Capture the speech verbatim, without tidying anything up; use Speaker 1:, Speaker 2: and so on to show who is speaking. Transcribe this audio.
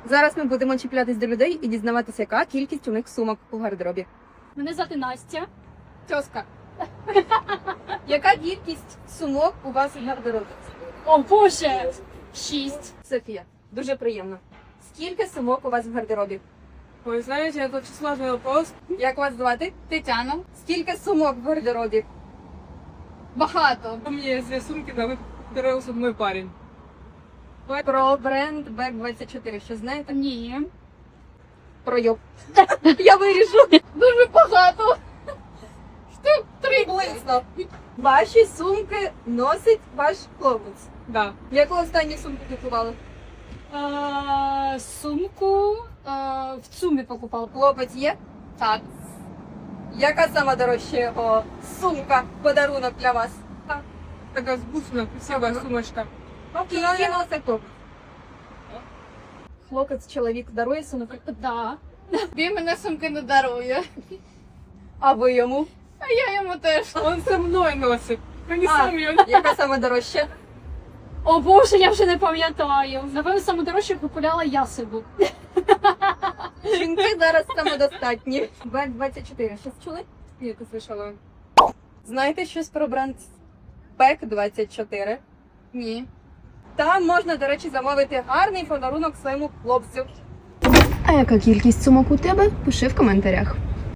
Speaker 1: Зараз ми будемо чіплятись до людей і дізнаватися, яка кількість у них сумок у гардеробі.
Speaker 2: Мене звати Настя.
Speaker 1: Тьоска. Яка кількість сумок у вас у гардеробі?
Speaker 2: О, Боже! Шість.
Speaker 1: Софія, дуже приємно. Скільки сумок у вас в гардеробі?
Speaker 3: Ой, знаете, это очень сложный вопрос.
Speaker 1: Як вас звати?
Speaker 2: Тетяна.
Speaker 1: Скільки сумок в гардеробі?
Speaker 2: Багато.
Speaker 3: У меня есть две сумки, да, понравился мой парень.
Speaker 1: Про бренд Бек двадцять чотири, що знаєте?
Speaker 2: Ні.
Speaker 1: Про йоб. Я вирішу.
Speaker 2: Дуже багато.
Speaker 1: Штук три близько. Ваші сумки носить ваш хлопець.
Speaker 3: Да.
Speaker 1: Яку останню сумку купували?
Speaker 2: Е, сумку е, в ЦУМі покупала.
Speaker 1: Хлопець є?
Speaker 2: Так.
Speaker 1: Яка сама дорожча його сумка, подарунок для вас?
Speaker 3: Такая вкусная, красивая сумочка.
Speaker 1: Скільки носить хлопець? Хлопець, чоловік дарує сумку?
Speaker 2: Да. Він мене сумки не дарує.
Speaker 1: А ви йому?
Speaker 2: А я йому теж.
Speaker 3: Он со мной носит. А не
Speaker 1: А.
Speaker 3: сам ее.
Speaker 1: Яка сама дорожча?
Speaker 2: О Боже, я вже не пам'ятаю. Напевно, саме дорожче купувала я себе.
Speaker 1: Жінки зараз самодостатні. Бек двадцять чотири, щось чули?
Speaker 3: Нет, не слышала.
Speaker 1: Знаєте щось про бренд Бек двадцять чотири?
Speaker 2: Ні.
Speaker 1: Там можна, до речі, замовити гарний подарунок своєму хлопцю.
Speaker 4: А яка кількість сумок у тебе? Пиши в коментарях.